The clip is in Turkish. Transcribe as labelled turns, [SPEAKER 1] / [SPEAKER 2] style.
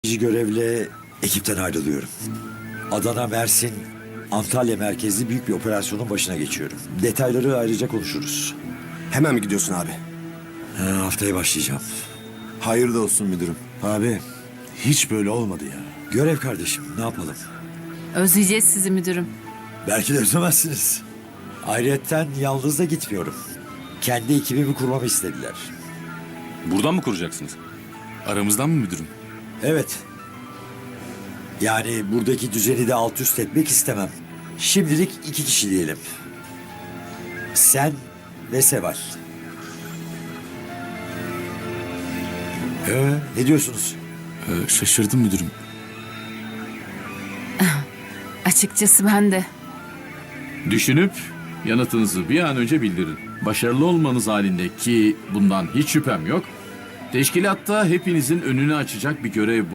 [SPEAKER 1] Görevle ekipten ayrılıyorum. Adana, Mersin, Antalya merkezli büyük bir operasyonun başına geçiyorum. Detayları ayrıca konuşuruz.
[SPEAKER 2] Hemen mi gidiyorsun abi?
[SPEAKER 1] Haftaya başlayacağım.
[SPEAKER 2] Hayırlı olsun müdürüm.
[SPEAKER 3] Abi hiç böyle olmadı ya.
[SPEAKER 1] Görev kardeşim, ne yapalım?
[SPEAKER 4] Özleyeceğiz sizi müdürüm.
[SPEAKER 1] Belki de özlemezsiniz. Ayrıyetten yalnız da gitmiyorum. Kendi ekibimi kurmamı istediler.
[SPEAKER 5] Buradan mı kuracaksınız? Aramızdan mı müdürüm?
[SPEAKER 1] Evet. Yani buradaki düzeni de alt üst etmek istemem. Şimdilik 2 kişi diyelim. Sen ve Seval. Ne diyorsunuz?
[SPEAKER 5] Şaşırdım müdürüm.
[SPEAKER 4] Açıkçası ben de.
[SPEAKER 6] Düşünüp yanıtınızı bir an önce bildirin. Başarılı olmanız halinde ki bundan hiç şüphem yok. Teşkilatta hepinizin önünü açacak bir görev